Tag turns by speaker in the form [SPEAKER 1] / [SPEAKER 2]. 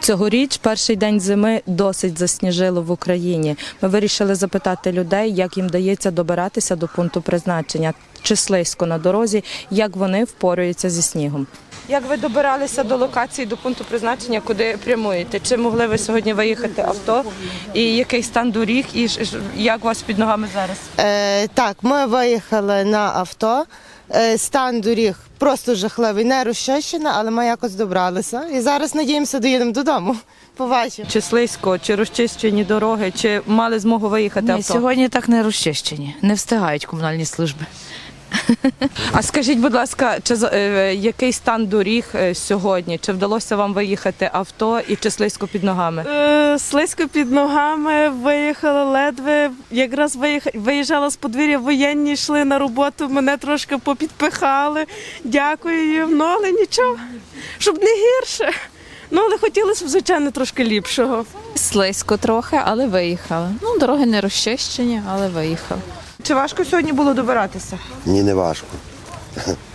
[SPEAKER 1] Цьогоріч перший день зими досить засніжило в Україні. Ми вирішили запитати людей, як їм дається добиратися до пункту призначення, чи слизько на дорозі, як вони впораються зі снігом. Як ви добиралися до локації, до пункту призначення, куди прямуєте? Чи могли ви сьогодні виїхати авто? І який стан доріг, і як у вас під ногами зараз?
[SPEAKER 2] Так, ми виїхали на авто. Стан доріг просто жахливий, не розчищена, але ми якось добралися. І зараз, надіємося, доїдемо додому. Побачимо.
[SPEAKER 1] Чи слизько, чи розчищені дороги, чи мали змогу виїхати
[SPEAKER 3] Ні,
[SPEAKER 1] авто?
[SPEAKER 3] сьогодні так не розчищені, не встигають комунальні служби.
[SPEAKER 1] А скажіть, будь ласка, який стан доріг сьогодні? Чи вдалося вам виїхати авто і чи слизько під ногами?
[SPEAKER 4] Слизько під ногами, виїхала ледве, якраз виїжджала з подвір'я, воєнні йшли на роботу, мене трошки попідпихали, дякую їм, але нічого, щоб не гірше. Але хотілося б, звичайно, трошки ліпшого.
[SPEAKER 5] Слизько трохи, але виїхали. Дороги не розчищені, але виїхали.
[SPEAKER 1] Чи важко сьогодні було добиратися?
[SPEAKER 6] Ні, не важко.